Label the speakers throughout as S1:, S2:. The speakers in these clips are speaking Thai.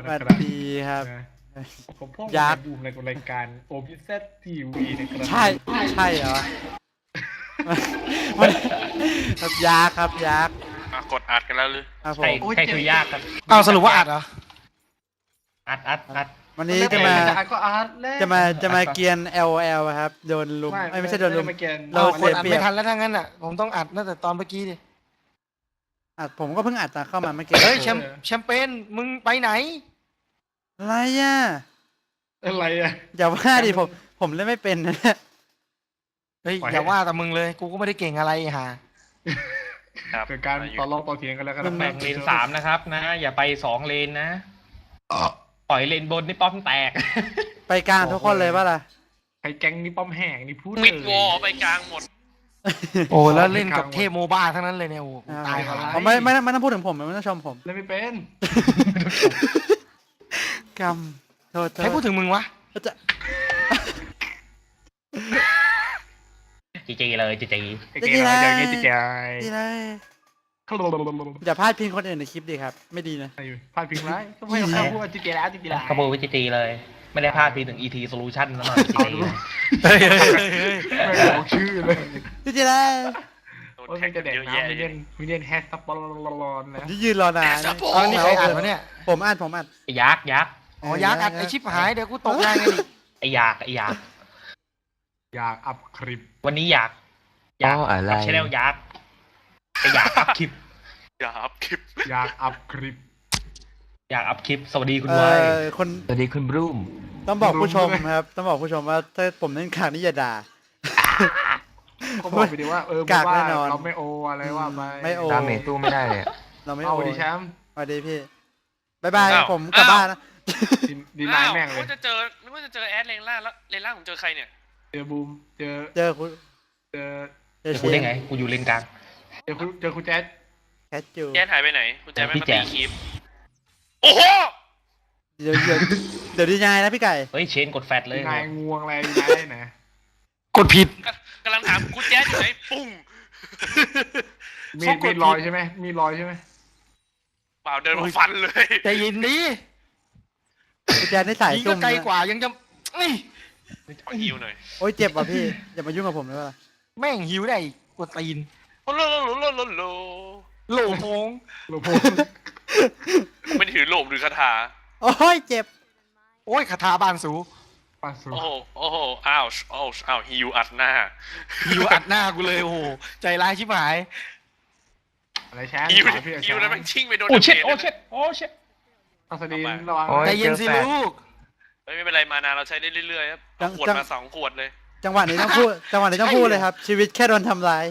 S1: วัสดีครับ
S2: ผมพ่อ
S1: ยักษ์
S2: ดูในรายการโอพิเซตทีวีนะครับ
S1: ใช่เหรอมันครับยักษ์ครับยักษ์
S3: กดอัดกันแล้วหรือ
S1: ครับผ
S4: ใคร
S1: ม
S4: ใครคือยากครับ
S5: เอาสรุปว่าอัดเหรอ
S4: อัด
S1: วันนี้จะมา
S2: อาร์ตก็อาร์ตแล้ว
S1: จะมาเกียน LOL ครับโดนลุมไม่ใช่โดนลุม
S2: ไม่เกียน
S1: เรา
S5: คนอัด
S1: เสียเปรียบ
S5: ไม่ทันแล้วทั้งนั้นอ่ะผมต้องอัดตั้งแต่ตอนเมื่อกี้ดิ
S1: อัดผมก็เพิ่งอัดตอนเข้ามาเมื่อกี้
S5: เฮ้ยแชมเปญมึงไปไหน
S1: อะไรอ่ะ
S2: อะไรอ่ะ
S1: อย่าว่าดิผมเล่นไม่เป็นนะ
S5: เฮ้ย
S2: ปล่อยให้
S5: อย่าว่าแต่มึงเลยกูก็ไม่ได้เก่งอะไรหา
S3: ครับ
S2: เกิดการต่อรองต่อเถียงกันแล้วกัน
S4: แบ่งเลนสามนะครับนะ อย่าไป2เลนนะปล่อยเลนบนนี่ป้อมแตก
S1: ไปกลางทุกคนเลยป่ะล่ะ
S2: ใครแก๊งนี่ป้อมแห้งนี่พูด
S3: ปิดวอลไปกลางหมด
S5: โอ้แล้วเล่นกับเทพโมบ้าทั้งนั้นเลยเนี่ยโอ้กูตายหา
S1: ผมไม่ต้องพูดถึงผมไม่ต้องชมผม
S2: เล่นไม่เป็น
S1: กรรมโทษ
S5: ใครพูดถึงมึงวะ
S1: จะ
S4: จีเลยจี
S2: เก่งอะไรอย่างเงี้ยจิ๋ย
S1: ดีเลยอย่าพลาดพิงคนอื่นในคลิปดิครับ ไม่ดีนะ
S2: พลาดพิงไรก็ไม่ต้องพูดจิ๋ยแล้วจิ๋ยแล้ว
S4: ขโมยไปจีเลย ไม่ได้พลาดพีถึง ET Solution ซะหน่อยจี
S5: เฮ้ย
S2: ไม่บอกชื่อเลย
S1: ดีเลย
S3: โดน
S2: โอ้ย
S3: แท็
S2: มัน
S3: ก
S2: จะ
S3: กัน
S2: แดก
S3: เยอะ
S2: น้ำ
S3: แยะ
S2: มี
S3: เล
S2: เล่
S3: ย
S2: นมีเล่นแฮชตับลอนนะ
S1: ที่ยืนรอนาน
S5: เอานี่ใครอัดวะเนี่ย
S1: ผมอัด
S4: ยักษ์
S5: อ๋อยักษ์อัดไอชิปหายเดี๋ยวกูตกงานไงดิ
S4: ไอ้ยักษ์
S2: อยากอัพคลิป
S4: วันนี้อยากอะไรใช่แล้วยักษ์ไอ้อยากอัพคลิป
S3: อย่าอัพคลิป
S2: อยากอัพคลิป
S4: อยากอัพคลิปสวัสดีคุณ
S1: เอ
S4: ไว้
S1: คน
S4: สวัสดีคุณบรูม
S1: ต้องบอกผู้ชมครับ ต้องบอกผู้ชมว่าถ้าผมเล่นขางนี่อย่าด่า
S2: ก็บอกไปดิว่า
S1: กาก
S2: ว่า
S1: แน่นอน
S2: เราไม่โออะไรว่าไป
S1: ไม่โอ
S6: ดาเมจตู้ไม่ได้เลยอะ
S1: เราไม่
S2: เอา
S1: โอ
S2: ดิแชมป์
S1: สวัสดีพี่บายบายผมกลับบ้านนะ
S2: ดีนายแม่งเลย
S3: นึกว่าจะเจอแอดเลนล่างแล้วเลนล่างผมเจอใครเนี่ย
S2: เจอบูมเจอ
S1: เจอคุณ
S2: เจอ
S1: เจอ
S4: กูได้ไงกูอยู่เลนกลาง
S2: เจอคุณแจ๊ด
S1: แคทจู
S3: แจ๊ดหายไปไหนคุณแจ๊ดไม่
S4: พี่
S3: มา
S4: แจ๊
S3: ตี
S4: ด
S3: คลิปโอ้โห
S1: เดี๋ยวดีนายนะพี่ไก่
S4: เฮ้ยเชนกดแฟตเลย
S2: ดีนายงวงอะไรดีนายไหน
S5: กดผิด
S3: กำลังถามคุณแจ๊ดอยู่ไหนปุ้ง
S2: มีรอยใช่ไหมมีรอยใช่ไหม
S3: เปล่าเดินมาฟันเลย
S5: ใจเย็นดิ
S1: พี่แจ๊ดได้สาย
S5: ยิง
S1: จุ่
S5: ก็
S1: ม
S5: ไกลกว่ายังจะนี่
S3: ขอฮิวหน่อย
S1: โอ้ยเจ็บว่ะพี่อย่ามายุ่งกับผมเลยว่ะ
S5: แม่งหิวได้อีกกดตีน
S3: โอ้โหโล
S5: โหลโพง
S2: โลโพ
S3: ไม่ถือโลมหรือคาถา
S1: โอ้ยเจ็บ
S5: โอ้ยคาถาบานสู
S2: ปาสู
S3: โอ้โหอ้าวฮิวอัดหน้า
S5: หิวอัดหน้ากูเลยโอ้โหใจร้ายชิบหาย
S2: อะไรแชมป์
S3: ฮิว
S2: พี่
S3: ฮิวแล้วมันชิ่งไปโดน
S4: โอ้เช็ด
S3: ดา
S4: โอ้
S3: มจ
S4: เช็ดโอ้เช็ด
S2: อัศดินระวัง
S6: โอ้ย
S5: ใจเย็นสิ
S6: เจอแฟน
S5: ลูก
S3: ไม่เป็นไรมานาเราใช้ได้เรื่อยๆครับเอาขวดมา2 ขวดเลย
S1: จังหวะนี้ต้องพูดเลยครับ ชีวิตแค่โดนทำร้าย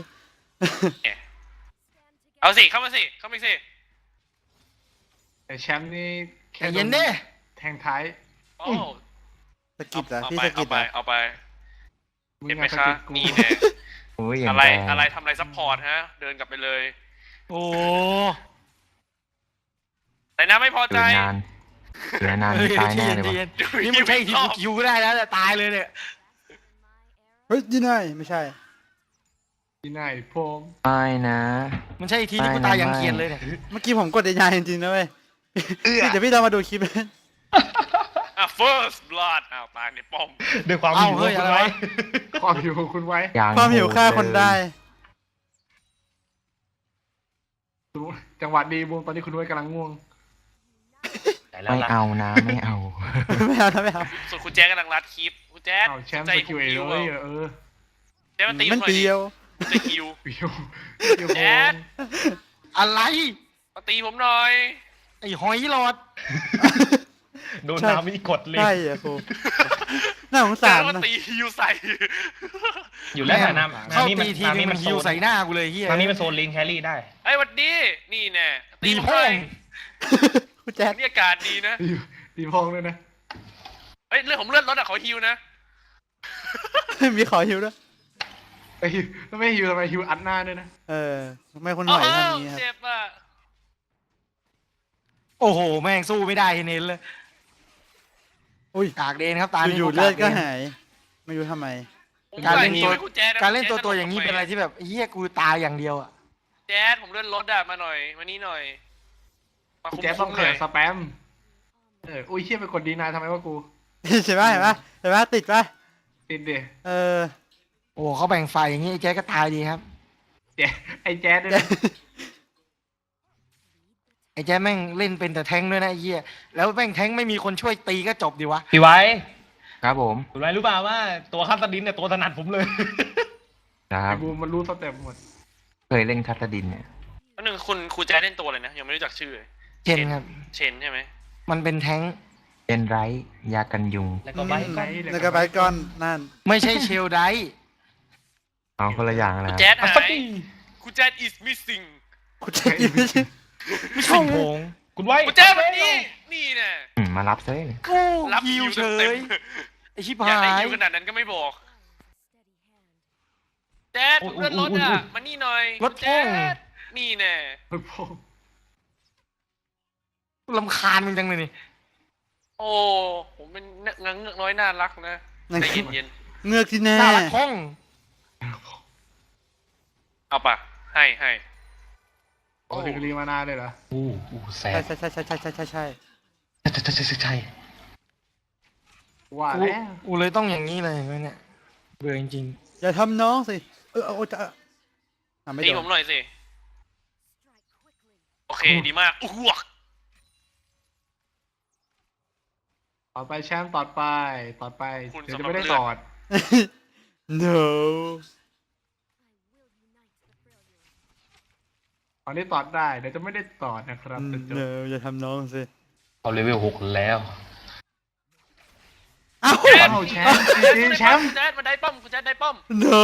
S3: เอาสิเข้ามาสิ
S2: แต่แชมป์นี่
S5: ใจเย็นดิ
S2: แทงท้าย
S3: โอ้
S1: สกิดเหรอ
S3: เอา
S1: พี่
S3: ไป
S1: สกิ
S3: เอา
S1: ด
S3: ไป
S1: เหรอ
S3: เอาไป
S2: มึง
S3: เห็นไหม
S2: อะ
S3: คะ
S2: สะกิดกู
S3: นี่แน่
S6: โอ้ยอย่าง
S3: อะไร
S6: แรง
S3: อะไรทำอะไรซัพพอร์ตฮะ เดินกลับไปเลย
S5: โอ้
S3: แต่น้าไม่พอ
S6: อ
S3: ใจ
S6: ยู่นานอยู่นาน
S5: เฮ้ย
S6: ตายแน่เลย
S5: ใจ
S6: วะ
S5: เย็นนี่มึงใช่ทีมคิวได้แล้วแต่ตายเลยเนี่ย
S1: เฮ้ยดีนายไม่ใช่
S2: ดีนายพม
S6: ไม่นะ
S5: มันใช่ทีที่กูตายอย่างเกรียนเลยเนี่ย
S1: เมื่อกี้ผมกดดีนายจริงๆนะเว้ยพี่เดี๋ยวพี่เรามาดูคลิป
S3: อ่ะ first blood อ้าวตายในป้อม
S4: ด้วยความ
S5: เอ้า
S4: หิว
S5: เฮ้ย
S4: คุ
S5: อะ
S4: ณ
S5: ไร
S4: ไว้
S5: วะ
S2: ความหิวของคุณไว้
S6: อย่าง
S1: ความหิวฆ่าคนได้
S2: จังหวะดีบูมตอนนี้คุณไว้กำลังง่วง
S4: แต่แล้ว
S6: ไม่
S4: ล่ะ
S6: เอานะไม่เอา
S1: ไม่เอานะไม่เอา
S3: ส่วนคุณแจ๊กกำลังรัดคลิปคุณแจ๊ก
S2: เอาแชมป์
S3: ใจ
S2: ส
S3: คุ
S2: กิ
S3: ณ
S2: ลเอ
S3: ฮิว
S2: เลย
S3: แจ๊กมาตีผ
S1: มัน
S3: มหน่อย
S1: เปรี
S3: ดิ
S1: ยว
S3: จะฮิว
S2: เปียวเปียว
S3: แจ๊ด
S5: อะไร
S3: มาตีผมหน่อย
S5: ไอ้หอยหลอด
S4: โดนน้ำไม่กดเลย
S1: ใช่อะครูน่าสงสา
S3: แจ๊
S1: ร
S3: ดมา
S1: นะ
S3: ตีฮิวใส่
S4: อยู่แล้วแต่น้ำ
S5: เข้า
S4: นี่
S5: ตีทีนึงมันฮิวใส่หน้ากูเลยเฮีย
S4: น้ำนี่มันโซนเลนแครี่ได้
S3: ไอ้ยหวัดดีนี่แน่ตี
S5: ดี
S3: ผมห
S5: พ่อ
S3: น่อย
S5: ง
S1: คุณแจ๊ด
S3: นี่อากาศดีนะ
S2: ดีพองเลยนะ
S3: เอ้ยเลือดผมเลือดลดอะขอฮิวนะ
S1: มีขอหิวด้วย
S2: ไอ้ฮิวแล้วไม่ฮิวทำไมฮิวอัดหน้าด้วยนะ
S1: ทำไมคนหอยทำอย่างนี้ครับ
S3: เจ็บอ่ะ
S5: โอ้โหแม่งสู้ไม่ได้เน้นเลย
S1: อุ้ย
S5: กากเดนครับตา
S1: อยู่ๆเลือดก็หาย ไม่รู้ทำไม
S3: ผม
S5: การเล่น
S3: ใส่
S5: ตัว
S3: ให้คุณแจ๊ดะ
S5: การเล่นตัว
S3: คุณ
S5: ตัว
S3: แจ๊ด
S5: อย่างนี้เป็นอะไรที่แบบเฮียกูตายอย่างเดียวอ่ะ
S3: แจ๊ดผมเลื่อนรถอะมาหน่อยมานี่หน่อยมา
S2: คุณ
S3: คุ้ม
S2: แจ๊สต้อง
S3: ๆห
S2: เขิ
S3: น่อน ย
S2: สแปมอุ้ยเชี่ยไปกดดีนายทำไมวะกู
S1: ใช่ไหมเห็นปะเห็นปะติดปะ
S2: ติดดิ
S1: เออ
S5: โอ้เขาแบ่งฝ่ายอย่างงี้ไอ้แจ๊คก็ตายดีครับ
S2: แจ๊ดไอ้แจ๊ดด้วยนะ
S5: ไอ้แจ๊คแม่งเล่นเป็นแต่แทงค์ด้วยนะไอ้เหี้ยแล้วแม่งแทงค์ไม่มีคนช่วยตีก็จบดีวะ
S4: พี่ไว้
S6: ครับผม
S4: คุณไว้รู้เปล่าว่าตัวคัสดินเนี่ยตัวถนัดผมเลย
S6: ครั
S2: ไอ้
S6: บ
S2: บูมมันรู้สเต็ปหมด
S6: เคยเล่นคัตดินเนี่ย
S3: แล้วหนึ่งคุณครูแจ๊ดเล่นตัวเลยนะยังไม่รู้จักชื่อเลย
S5: เชนครับ
S3: เชนใช่ไหม
S5: มันเป็นแทงค์
S6: เป็นไรยากันยุง
S4: แล้วก็ไว้ก่อน
S1: แล้วก็ไปก้อนนั่น
S5: ไม่ใช่เชลไดท์
S6: เอาคนละอย่างนะ
S3: ครู
S6: ครับ
S3: แจ๊ด
S4: อั
S3: หา
S4: ส
S3: ย
S4: ตี
S3: ครูแจ๊ด is missing
S1: กูจะยิง
S5: ไม่ใช่โผง
S4: คุณไว้
S3: ครูแจ๊ดวันนี้นี่แน่
S6: มารับเซ่
S5: โอ้
S3: รับ
S5: ยิว
S3: ฮิว
S5: เฉ
S3: เต็ม
S5: ยไอชิบ
S3: ๆอยาก
S5: หา
S3: ได้
S5: ย
S3: ฮิวขนาดนั้นก็ไม่บอกแจ๊ดผมเลื่อนรถอ่ะมานี่หน่อย
S5: รถ
S3: แจ๊
S5: พุ่ง
S3: ดนี่แน่
S2: โอ้โห
S5: ลำคาญมึงจังเลยนี่
S3: โอ้ผมเป็นเงือกน้อยน่ารักนะใจเย็น
S1: เงือกที่แน่
S5: น่ารักพ้อง
S3: ๆเอาปะให้
S2: โอ้ถึงรีมานาเลยเหรอ
S4: อู้แส
S1: ใช่
S4: บ
S1: ใช่ใช่ใช่ใช่ใช่ใช่
S4: ใช่
S2: ว่า
S5: กู
S2: แล้ว
S5: กูเลยต้องอย่างนี้เลยเว้ยเนี่ยเบื่อจริง
S1: อย่าทำน้องสิเอาจะไม่
S3: ตี
S1: โด
S3: ผ
S1: น
S3: มหน่อยสิ โอเค ดีมากอ้วก
S2: ต่อไปแชมป์ต่อไปเดี๋ยวจะไม่ได้ตอด
S1: no
S2: ตอนนี้ตอดได้เดี๋ยวจะไม่ได้ตอดนะครับจะจบ
S1: no อย่าทำน้องสิ
S4: เอาเลเวล6แล้ว
S1: เอ้า
S3: แจ๊ด
S2: เอาแชมป์จริงๆแชมป์
S3: แจ๊ดมาได้ป้อมคุณแจ๊ดได้ป้อม
S1: no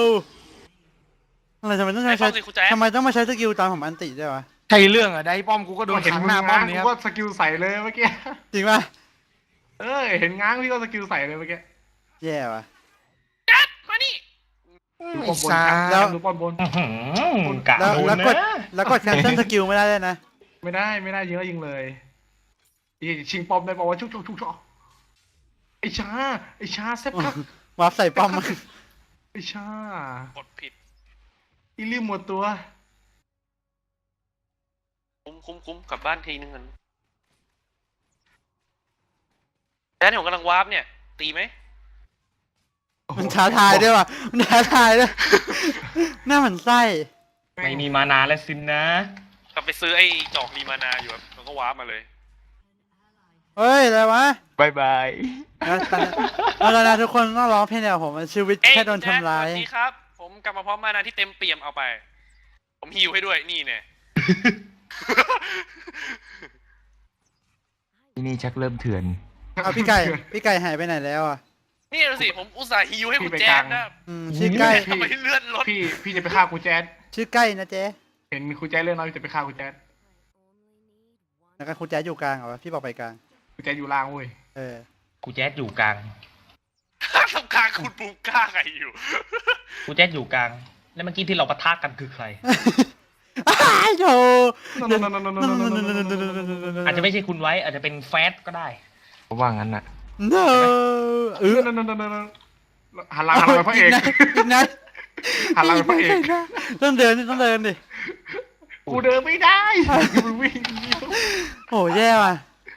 S1: อะไรทำไมต้อง
S3: ได้
S1: ใช้
S3: ป้อมสิคุณแจ๊ด
S1: ทำไมต้องมาใช้สกิลตอนผมอันติด้วยวะ
S5: ๆใช่เรื่องอะได้ป้อมกูก็โด
S2: ก็
S5: น
S2: เห็น
S5: ขัง
S2: มึ
S5: ห
S2: ง
S5: น้าป้อ
S2: ง้าม ง
S5: นี้
S2: กู
S5: ครับ
S2: ก็สกิลใส่เลยเมื่อกี้
S1: จริงป่ะ
S2: เห็นง้างพี่ก็สกิลใส่เลยเมื่อกี้
S1: แย่ว่ะ
S3: แจ๊ดมานี่
S2: ดู
S5: ไอ้
S2: ป้อมบน
S5: สา
S2: แชมป์ดูป้อมบน
S4: กะ
S1: แล้ว
S4: โดน
S1: แล้วกด
S4: นะ
S1: แล้วกดแคนเซิลสกิลไม่ได้เลยนะ
S2: ไม่ได้ยิงแล้วยิงเลยชิงป้อมได้บอกว่าชุกไอ้ชาเซฟครับ
S1: วาร์ปใส่ป้อมมัน
S2: ไอ้ชาก
S3: ดผิด
S2: อีลืมหมดตัว
S3: คุ้มกลับบ้านทีนึงกันแจ๊ดผมกำลังวาร์ปเนี่ย ตีไหม
S1: มันท้าทายด้วยว่ะมันท้าทายด้วยหน้าหมันไส้
S4: ไม่มีมานาแล้วสินนะ
S3: กลับไปซื้อไอ้จอกรีมานาอยู่ครับมันก็วาร์ปมาเลย
S1: เฮ้ยอะไรวะ
S6: บายบาย
S1: แล้วนะทุกคนต้องร้องเพลงเดียวกับผมชีวิตแค่โดนทำร้าย
S3: สวัสดีครับ ผมกลับมาพร้อมมานาที่เต็มเปี่ยมเอาไป ผมฮิวให้ด้วยนี่เนี่ย
S6: ที่นี่ชักเริ่มเถื่อน
S1: เอาพี่ไก่หายไปไหนแล้วอ่ะ
S3: นี่ดูสิผมอุตส่าห์ฮิวให้คุณแจ๊ดนะ
S1: ชื่อใกล้
S3: ทำไมเลื่อนรถ
S2: พี่จะไปฆ่ากูแจ๊ด
S1: ชื่อใกล้นะเจ๊
S2: เห็นกูแจ๊ดเรื่องน้อยจะไปฆ่ากูแจ๊ด
S1: แล้วก็คุณแจ๊ดอยู่กลางเหรอพี่บอกไปกลาง
S2: กูแจ๊ดอยู่ล่างเว้ย
S1: เออ
S4: กูแจ๊ดอยู่กลาง
S3: ทำกลางคุณปูกล้าไงอยู่
S4: กูแจ๊ดอยู่กลาง แล้วเมื่อกี้ที่เราปะทะกันคือใคร
S1: อ้าวโธ่
S4: อาจจะไม่ใช่คุณไว้ อาจจะเป็นแฟตก็ได้
S6: เพราะว่างั้นน่ะ
S1: no
S2: หันหลังไปพระเอก
S1: อีกนะ
S2: หันหลังไปพระเอก
S1: ต้องเดินดิ
S2: กูเดินไม่ได้มึงวิ่ง
S1: โอ้แย่ว่ะ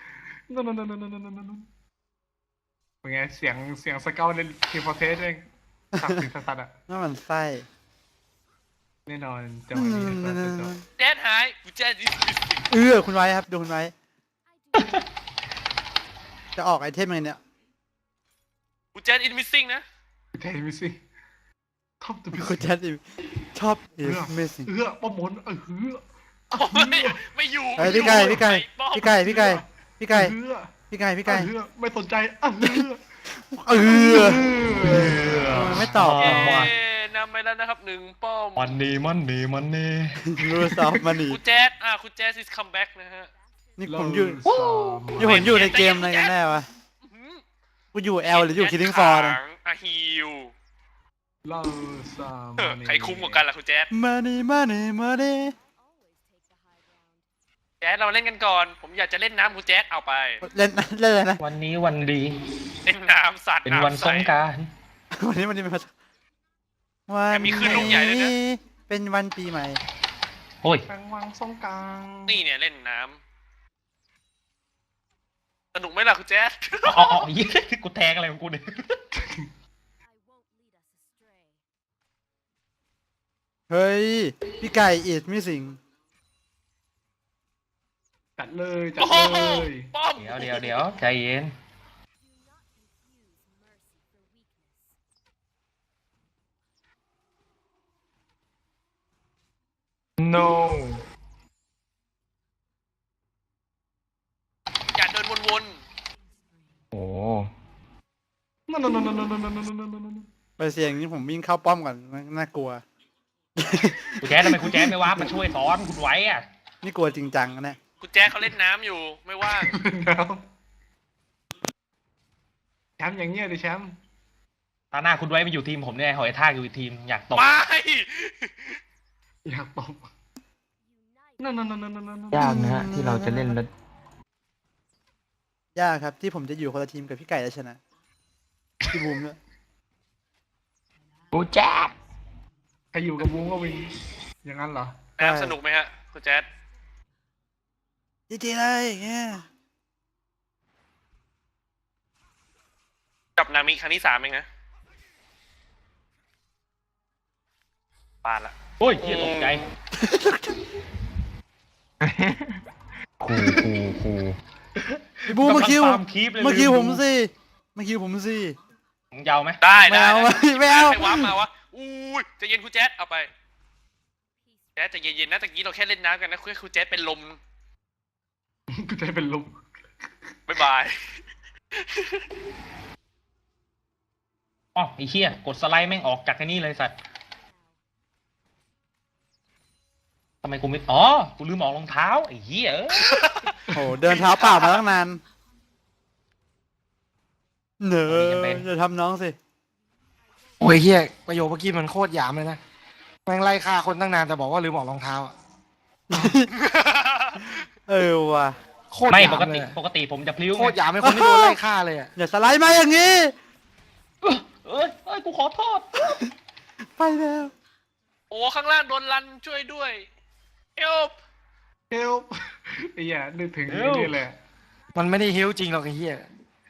S2: เป็นไงเสียงสเกลในทีมฟอร์เทสเองสักสิ่งสัตว์อ่ะ
S1: หน้าหมันไส้
S2: แน่นอนจังหวะนี้จะจบ
S3: แจ๊ดหายคุณแจ๊ดดิส
S1: คุณไว้ครับดูคุณไว้ จะออกไอเทมอะไรเนี่ย
S3: คุณแจ๊ดอินมิสซิ่งนะ
S2: แทนมิซี่ท็อปตัวพิ
S1: คุณแจ๊ดชอบ is missing
S2: ป้อมมน
S3: ไม่อยู่
S1: เฮ้ยพี่ไก่ไม่สนใจไม่ตอบ
S4: เ
S3: นำไปแล้วนะครับหนึ่งป้อม
S4: มันนี่
S1: รู้ซอฟมาหนี
S3: คุณแจ๊ดคุณแจ๊ด is come back นะฮะ
S1: นี่ผมอยู่ในเกมอะไรกันแน่วะกูอยู่ L หรืออยู่ Killing Floor นะ
S3: ฮิว
S2: เล่าซาม
S3: ใครคุ้มกว่ากันล่ะคุณแจ๊ด
S1: money
S3: แจ๊ดเราเล่นกันก่อน ผมอยากจะเล่นน้ำคุณแจ๊ดเอาไป
S1: เล่นอะไรนะ
S4: วันนี้วันดี
S3: เล่นน้ำสัตว์
S4: เป็นวัน
S3: ำ
S4: ส
S3: ใ
S4: งกรานต์
S1: วันนี้เป็นวัน
S3: แต่มีคลื่นลูกใหญ่เลยนะ
S1: เป็นวันปีใหม่
S4: โอ้ย
S2: กลางวังสงกลาง
S3: นี่เนี่ยเล่นน้สนุกไหมล่ะคุณแจ๊ด
S4: อ๋อยี่กูแทงอะไรของกูเนี่ย
S1: เฮ้ย พี่ไก่อิดมิสิง
S2: จัดเลยจัด
S3: โอ้โห
S2: เลย
S3: ป้อม
S4: เดี๋ยวใจเย็น
S6: no
S3: อย่าเดินวน
S6: โอ้
S2: นั่นนั่นนั่นนั่นนั่นนั่นนั่นนั่น
S1: ไปเสียงนี้ผมวิ่งเข้าป้อมก่อนน่ากลัว
S4: กูแจ๊ดทำไมกูแจ๊ดไม่ว่ามาช่วยสอนคุณไว้อะ
S1: นี่กลัวจริงจังนะเนี่ย
S3: ๆคุณแจ๊ดเขาเล่นน้ำอยู่ไม่ว่าง
S2: แล้วแชมป์อย่างเงี้ยดิแชมป์
S4: ตาหน้าคุณไว้มาอยู่ทีมผมเนี่ยหอยทากอยู่อีกทีมอยากตบ
S3: ไม่
S2: อยากตบนั่นนั่นนั่นนั่นนั่น
S6: ยากนะฮะที่เราจะเล่นแล้ว
S1: ยากครับที่ผมจะอยู่คนละทีมกับพี่ไก่แล้วชนะ พี่บูมด้วย
S6: กูแจ๊ด
S2: ใครอยู่กับวงก็วินอย่างนั้นเหรอ
S3: น้ำสนุกไหมฮะคุณแจ๊ด
S1: จีเลยอย่างเงี้ย
S3: กับนามิครั้งที่3เองนะปาดละ
S4: โอ้ยเหี้ยตกใจ
S6: คู
S1: พี่บูมมาคิว
S4: กำลังตามคลิปเลย
S1: มาคิว
S4: ลื
S1: ผม มสิมาคิวผมสิ
S4: มึงยาวไหม
S3: ได้
S1: ไม่
S3: ได้
S1: เอา
S3: ได้
S1: ไม่เอา
S3: ใครวาร์ปมาวะอุ้ยใจะเย็นคุณแจ๊ดเอาไปแจ๊ดใจะเย็นๆนะตะกี้เราแค่เล่นน้ำกันนะคุณแจ๊ดเป็นลม
S2: กูจะเป็นลม
S3: บ๊ายบาย
S4: อ๋อไอ้เหี้ยกดสไลด์แม่งออกจากไอ้นี่เลยสัตว์ทำไมกูไม่อ๋อกูลืมออกรองเท้าไอ้เหี้ยเอ้ย
S1: โหเดินเท้าเปล่ามาตั้งนานเหนอจะทำน้องสิ
S5: โอ้ยเฮียประโยคเมื่อกี้มันโคตรหยามเลยนะแม่งไล่ฆ่าคนตั้งนานแต่บอกว่าลืมออกรองเท้าอะ
S1: เออว่ะ
S5: โคตร
S4: ไม่
S5: หยาม
S4: ปก
S5: เล
S4: ติ
S5: ยอะ
S4: ปกติผมจะพลิ้ว
S5: โคตรหยามเป็นคนที่โดนไล่ฆ่าเลยอ่ะ
S1: อย่าสไลด์มาอย่างนี้
S4: เอ้ยกูขอโทษ
S1: ไปแล้ว
S3: โอ้ข้างล่างโดนรันช่วยด้วยเอล
S2: เฮลไอ้เหี้ยนึกถึงไอ้นี่เลย
S5: มันไม่ได้ฮิวจริงหรอกไอ้เฮีย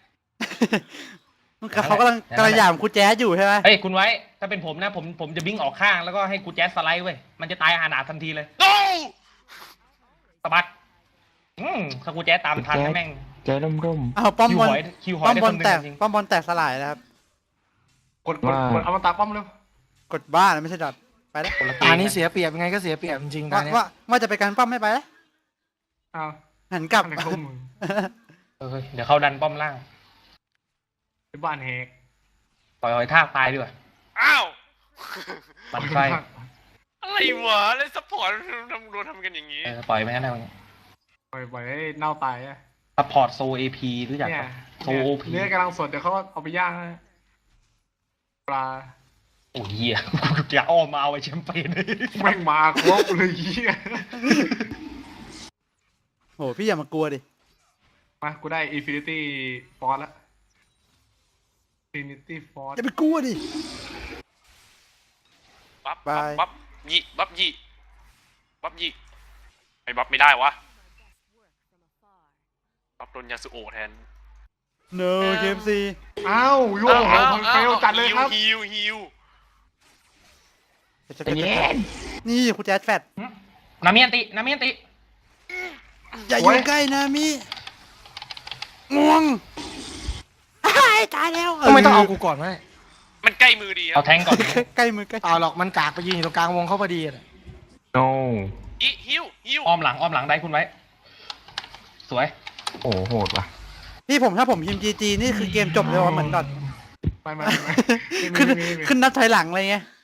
S1: เขากำลังหยามคุณแจ๊สอยู่ใช่ไหม
S4: เฮ้ยคุณไว้ถ้าเป็นผมนะผมจะบิ้งออกข้างแล้วก็ให้กูแจ๊สสไลด์เว้ยมันจะตายอานาถทันทีเลย
S3: โน
S4: สะบัดถ้ากูแจ๊สตามทันนะแม่ง
S6: ใจร่ม
S1: เอาป้อมบอล
S4: คิวหอย
S1: ป้อม
S4: ได้
S1: บอ
S4: ค
S1: ล
S4: นหนึ่
S1: แต
S4: ง
S1: ก
S4: จริง
S1: ป้อมบอลแตกสลายนะครับ
S2: กดเอามาตาป้อมเร็ว
S1: กดบ้านไม่ใช่ดอทไปแล้ว
S4: คนละ
S5: ตานี้เสียเปรียบยังไงก็เสียเปรียบจริงๆตา
S1: ว่า
S5: เนี้ย
S1: ว่าจะไปการป้อมไม่ไปแล้ว
S2: อ้าว
S1: หันกลับ
S2: อะไรของมึง
S4: เดี๋ยวเขาดันป้อมล่าง
S2: ไปบ้านแหก
S4: ปล่อยหอยทากตายดีกว่า
S3: อ้าว
S4: มันไส้
S3: อะไรวะเล่นซัพพอร์ตทำกันอย่างนี้
S4: ปล่อยไปงั้นแล้ว
S2: ปล่อยให้เน่าตายอะ
S4: ซัพพอร์ตโซเอพีรู้จัก
S2: เนี่ย
S4: ปะโซ
S2: เนี่ย
S4: โอพี
S2: เนื้อกำลังสดเดี๋ยวเขาเอาไปย่างนะปลา
S4: โอ้ยเหี้ยอย่าอ้อมมาเอาไอ้แชมเปญ
S2: แม่งมาครบเลยเหี้ย
S1: โหพี่อย่ามากลัวดิ
S2: มากูได้ Infinity Force แล้ว Infinity Force
S1: อย่าไปกลัวดิ
S3: บัฟ
S1: บาย
S3: บัฟยี่บัฟยี่บัฟยี่ไอ้บัฟไม่ได้วะบัฟโดนยาสุโอะแทน
S1: no KFC
S2: อ้าวโยโหเฟลจัดเลยครับ
S3: ฮิว
S6: ๆใจเย็น
S1: นี่คุณแจ๊สแฟด
S4: นามิอันติ
S1: อย่าอยู่ใกล้นะมิง่วงอ้ายตายแล้ว
S5: ทำไมต้องเอากูก่อนวะเนี่ย
S3: มันใกล้มือดีครั
S4: เอา
S3: บ
S4: แทงก่อน
S1: ใกล้มือใกล้
S5: เปล่าหรอกมันกากไปยืนอยู่ตรงกลางวงเขาพอดีอะ
S6: no
S3: ฮิว
S4: อ้อมหลังได้คุณไว้ สวย
S6: โอ้โหดว่ะ
S1: พี่ถ้าผมพิมพ์ GG นี่คือเกมจบเลยว่ะเหมือนดอท
S2: ไม่
S1: ขึ้นนับถอยหลังอะไรเงี้ย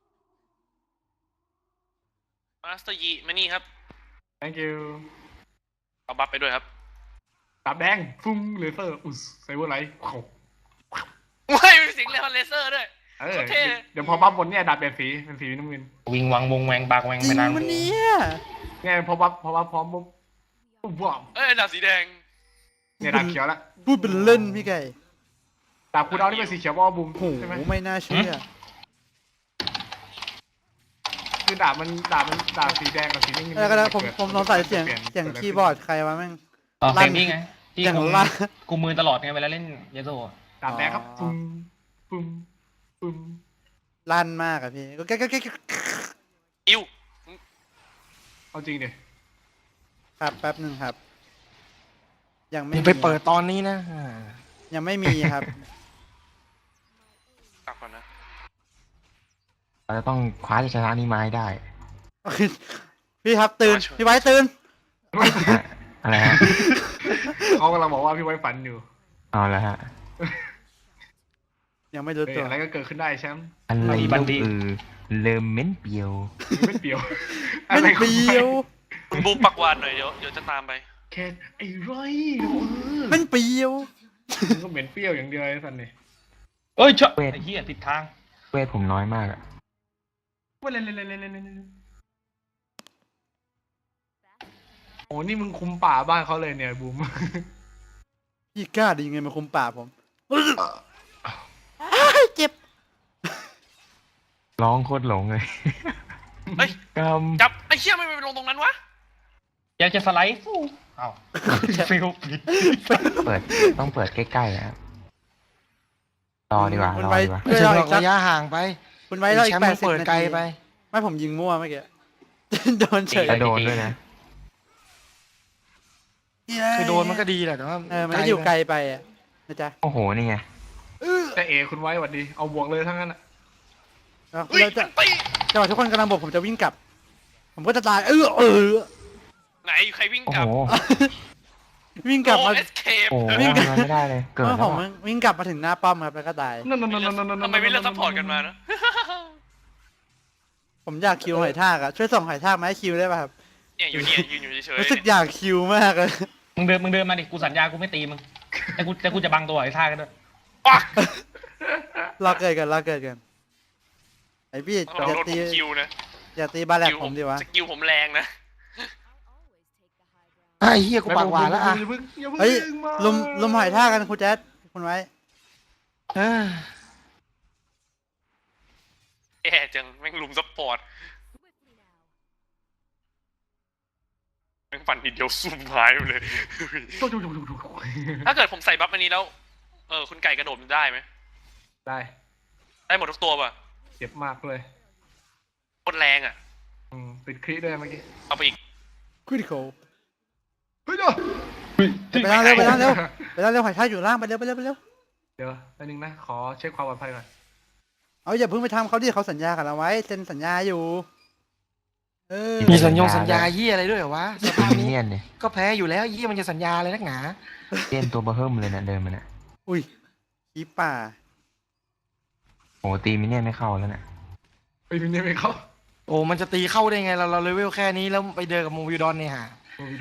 S3: มาสเตอร์ยีมานี่ครับ
S2: thank you
S3: เอาบัฟไปด้วยครับ
S2: ดาบแดงฟุ้งเลเซอร์อุสไซเบอร์ไลท์เขา
S3: ว้ายมีเสียงเลเซอร์ด้วย เท่
S2: เดี๋ยวพอบัฟบนเนี่ยดาบเปลี่ยนสีเป็นสีน้ำเงิน
S4: วิงวังวงแวงบากแวง
S1: จริ
S4: ไป
S1: ง
S4: นาน
S1: มันเนี้ย
S2: เนี่ยพอบัฟพร้อมปุ๊บว้าว
S3: ดาบสีแดง
S2: เนี่ยดาบเขียวละ
S1: พูดเป็นเล่นพี่ไก่
S2: ดาบคูดาวนี่เป็นสีเขียวบอลบูม
S1: โอ้โห
S2: ใช่ไหม
S1: ไม่น่าเชื่อ
S2: คือดาบสีแดงกับสีน้ำเงิน
S1: แล้วก็นะผมสงสัยเสียงคีย์บอร์ดใครวะแม่ง
S4: อ๋อ
S1: ลั่
S4: เฟร
S1: น
S4: มนี่ไง เที่
S1: อย่าง
S4: คุม
S1: ล่า
S4: คุมมือตลอดไงเวลาเล่นเยโซอะ
S2: ดาบแดงครับ
S1: อ๋อ
S2: ปึ้มปึ้ม
S1: ลั่นมากอะพี่ก็แก๊ก
S3: อิว
S2: เอาจริงดิ
S1: ครับแป๊บหนึ่งครับ ยังไม่
S5: มึง
S1: มี
S5: ไปเปิดตอนนี้นะ
S1: ยังไม่มีครับ
S3: กลับก่อนนะ
S6: เราจะต้องคว้าชัยชนะนี้มาให้ได้
S1: พี่ครับตื่น พี่ไว้ตื่น
S6: ฮะอะไรฮะ
S2: เขากำลังบอกว่าพี่ไว้ฝันอยู่
S6: เอาละฮะ
S1: ยังไม่รู้
S2: เฮ้ย
S1: ตัว
S2: อะไรก็เกิดขึ้นได้แชมป์
S6: อะไรลูกเริ่มเม้นเปียว
S2: ไม่เปรียว
S1: มันเปรี้ยว
S3: คุณบูมปักหวานหน่อยเดี๋ยวจะตามไป
S2: แค่ไอ้ไรเออ
S1: มันเปรี้ยว
S2: มึงก็เหม็นเปรี้ยวอย่างเดียวไอ้สันนี่
S4: เอ้ยเชอะไอ้เหี้ยติดทาง
S6: เวทผมน้อยมากอะ
S2: ว่าเล่นโอ้นี่มึงคุมป่าบ้านเขาเลยเนี่ยบูม
S1: พี่กล้าดียังไงมาคุมป่าผมเจ็บ
S6: ร้องโคตรหลงเลย
S3: เฮ้ย
S6: ก
S3: จับไอ้เชี่ยไม่ไปลงตรงนั้นวะ
S4: อยากจะสไลด์ฟูเอ้าฟิลผิด
S6: ำเปิดต้องเปิดใกล้ๆนะครับรอดีกว่าร
S1: คุณ
S6: อ
S1: ไว้
S6: ดีกว่า
S5: ไม่ใช่หรอกระยะห่างไป
S1: คุณไว้รออี
S5: แช
S1: ก
S5: มป์
S1: แป
S5: มึ
S1: ด
S5: ง
S1: สิบ
S5: เปิด
S1: นา
S5: ไกล
S1: ที
S5: ไป
S1: ไม่ผมยิงมั่วเมื่อกี้ โดนเฉย
S6: แล้วโดนด้วยนะ
S5: คือโดนมันก็ดีแหละแต่ว่า
S1: มันก็อยู่ไกลไปอะนะจ๊ะ
S6: โอ้โหนี่ไง
S2: แต่เอคุณไว้หวัดดี เอาบวกเลยทั้งนั้นอ่ะ
S1: แล้ว
S3: เฮ้ย
S1: เราจะ
S3: มันตี
S1: จังหวะทุกคนกำลังบอกผมจะวิ่งกลับ ผมก็จะตาย
S3: ไหนใครวิ่ง
S6: โอ้
S3: กลับ
S6: โห
S1: วิ่งกลับมา
S3: เอสเคป
S6: โอ้โห
S1: วิ่งกลับ
S6: ทำอะไรไม่ได้เลย เกิด
S1: เมื่อ
S6: แล้
S1: ผ
S6: ว
S1: ม
S6: อะ
S1: วิ่งกลับมาถึงหน้าป้อมครับแล้วก็ตาย
S2: นั่น
S3: ทำไมไม่เลือกซัพพอร์ตกันมานะ
S1: ผมอยากคิวหอยทากอะช่วยส่งหอยทากมาให้คิวได้ป่ะครับ
S3: เนี่ยอยู่เนี่ยยืนอยู่เฉยๆ
S1: รู้สึกอยากคิวมากเลย
S4: มึงเดินมาดิกูสัญญากูไม่ตีมึงแต่กูจะบังตัวไอ้ท่ากันด้วย
S3: ปัก
S1: รอเกิดกันไอพี่
S3: เรา
S1: อย่า
S3: โดน
S1: ตี
S3: ผมคิวนะ
S1: อย่าตีบาแลกผมดีวะ
S3: สกิลผมแรงนะ
S5: ไอ้เหี้ยกูปากหวานแล้วอ่ะ
S2: อย่าเพิ่ง
S1: เฮ้ย
S2: มา
S1: ลุมหอยทากกันคุณแจ๊ดคุณไว้
S5: เออ
S3: แย่จังแม่งลุมซัพพอร์ตแม่งฟันทีเดียวซุ่มหายไปเลย ถ้าเกิดผมใส่บัฟอันนี้แล้ว คุณไก่กระโดดได้ไหม
S2: ได้
S3: ได้หมดทุกตัวป่ะ
S2: เจ็บมากเลย
S3: โคตรแรงอ่ะ
S2: ติดคลิด้วยเมื่อกี้
S3: เอาไปอีก
S1: คริติคอล
S2: เฮ้ยเดี๋ยว
S1: ไปล่างเร็วไปล่างเร็วหอยทากอยู่ล่างไปเร็ว
S2: เดี๋ยวแป๊บนึงนะ ขอเช็คความปลอดภัยก่อน
S1: เอาอย่าเพิ่งไปทำเขาดิเขาสัญญากับเราไว้เซ็นสัญญาอยู่
S5: มีสัญญาเหี้ยอะไรด้วยเหรอวะสภาพ
S6: มิ
S5: นี้
S6: เนียนเนี่ย
S5: ก็แพ้อยู่แล้วเหี้ยมันจะสัญญาอะไรนักหนา
S6: เล่นตัวเบอร์เฮิร์มเลยนะเดินมาเนี่ย
S1: อุ้ยขี้ป่า
S6: โอ้โหตีมิเนียนไม่เข้าแล้วเนี่ย
S2: ไปดูเนี่ยไปเข้า
S5: โอ้มันจะตีเข้าได้ไงเราเลเวลแค่นี้แล้วไปเดินกับโมวิวดอนเนี่ยฮะ
S2: โอ้ยดู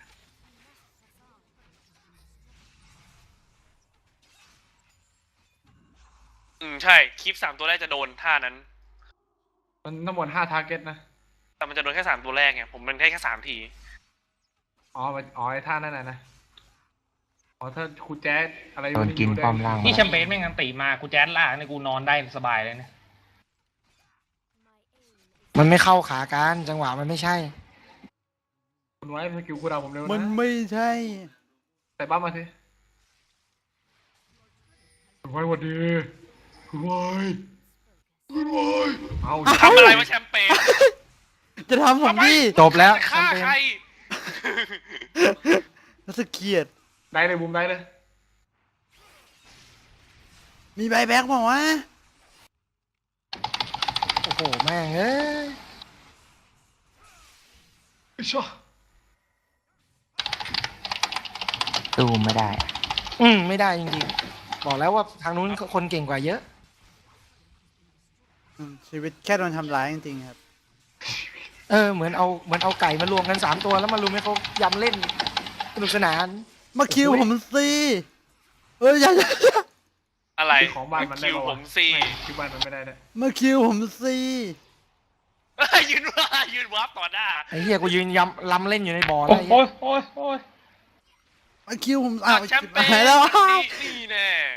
S3: ใช่คลิป3 ตัวแรกจะโดนท่านั้น
S2: มันทั้งหมด5 ทาร์เก็ตนะ
S3: แต่มันจะโดนแค่3 ตัวแรกไงผมเป็นแค่3 ที
S2: อ๋อไอ้ท่านั่นนะอ๋อถ้าครูแจ๊ดอะไร
S6: โดนกินป้อมล่าง
S4: นี่
S6: มา
S4: แชมเปญแม่งอันตีมากูแจ๊ดล่างเนี่ยกูนอนได้สบายเลยเนี่ย
S5: มันไม่เข้าขากันจังหวะมันไม่ใช่
S2: คุณไว้สกิลกูดาวผมเร็ว
S1: มัน
S2: นะ
S1: ไม่ใช่
S2: ใส่บ้ามาสิคุณไว้หวัดดีคุณไว้เอา
S3: ทำอะไรวะแชมเปญ
S1: จะทำผมดิ
S5: จบแล้ว
S3: ฆ่าใคร
S1: รู้สึกเกลียด
S2: ได้เลยบูมได้เลย
S1: มีใบแบ็กบอกว่า
S5: โอ้โหแม่งเอ้ย
S2: ชัว
S6: ตู้ไม่ได้
S5: ไม่ได้จริงๆบอกแล้วว่าทางนู้นคนเก่งกว่าเยอะ
S1: ชีวิตแค่โดนทำร้ายจริงๆครับ
S5: เหมือนเอาไก่มารวมกัน3 ตัวแล้วมารุมให้เขายำเล่นสนุกสนาน
S1: มาคิวผมสิอย่า
S3: อะไร
S2: ของบ้านมันได้
S3: คิว
S2: ปะ
S3: ผ
S2: วะ
S3: มสิ
S2: คิวบ้านมันไม่ได้ด้วย
S1: มาคิวผมสิ
S3: ยืนวับต่อหน้า
S5: ไอ้เหี้ยกูยืนยำล้ำเล่นอยู่ในบ่อ
S4: โอ้
S5: แล้ว
S4: โอ้ยโอ้ยโอ้ย
S1: มาคิวผม
S3: แชมเปญ
S1: หายแล้ว
S3: นี่แน่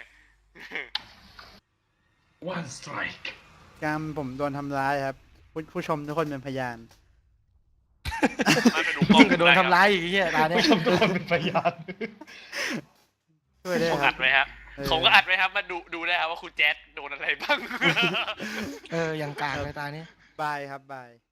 S2: one strike
S1: การผมโดนทำร้ายครับผู้ชมทุกคนเป็นพยาน
S3: มาไปดูกล้อง
S5: ยิ่งกว่าโดนทำร้ายอีกไอ้เหี้ยตาเนี้ย
S4: ผู้ชมทุกคนเป็นพยาน
S1: ช่วยได้
S3: ผม
S1: ครั
S3: อั
S1: บ
S3: ดไว้ครับ
S1: เออ
S3: ผมก็อัดไว้ครับมาดูได้ครับว่าคุณแจ๊ดโดนอะไรบ้าง
S5: อย่างกากเลยตาเนี้ย
S1: บายครับบาย